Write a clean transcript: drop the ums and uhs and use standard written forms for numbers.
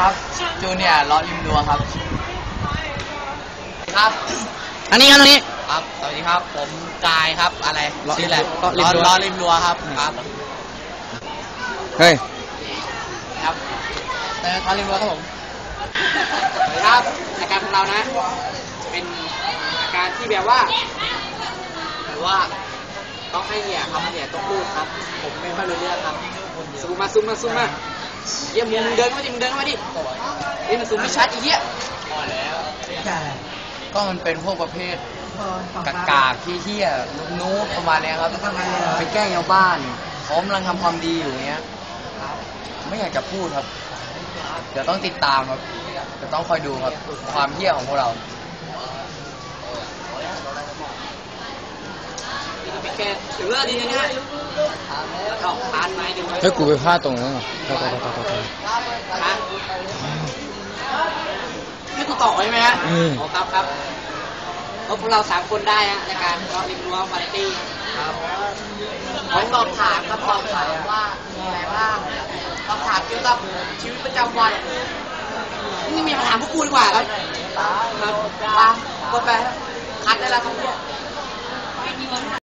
ครับจูเนียร์ล้อริมรั้วครับครับอันนี้ครับตรงนี้ครับสวัสดีครับผมกายครับอะไรชื่ออะไรล้อริมรั้วครับเฮ้ยครับล้อริมรั้วครับผมสวัสดีครับรายการของเรานะเป็นรายการที่แบบว่าต้องให้เนี่ยครับเนี่ยต้องพูดครับผมไม่ค่อยรู้เรื่องครับซูมมาเยี่ยมมึงเดินเข้ามาดินี่มันซูมไม่ชัดอีเหี้ยพอแล้วก็มันเป็นพวกประเภทกากๆเหี้ยๆนู้นประมาณนี้ครับไปแกล้งชาวบ้านผมกำลังทำความดีอยู่เงี้ยไม่อยากจะพูดครับเดี๋ยวต้องติดตามครับจะต้องคอยดูครับความเหี้ยของพวกเราถือว่าดีนะเนี่ยเอาพานไม้ดูไว้เฮ้ยกูไปพลาดตรงนั้นให้กูต่อใช่ไหมฮะครับพวกเรา3 คนได้ฮะในการล้อริมรั้ววาไรตี้ครับขอสอบถามครับว่ามีอะไรบ้างสอบถามเกี่ยวกับชีวิตประจำวันนี่มีมาถามพวกกูดีกว่าครับกดไปคัดได้แล้วครับ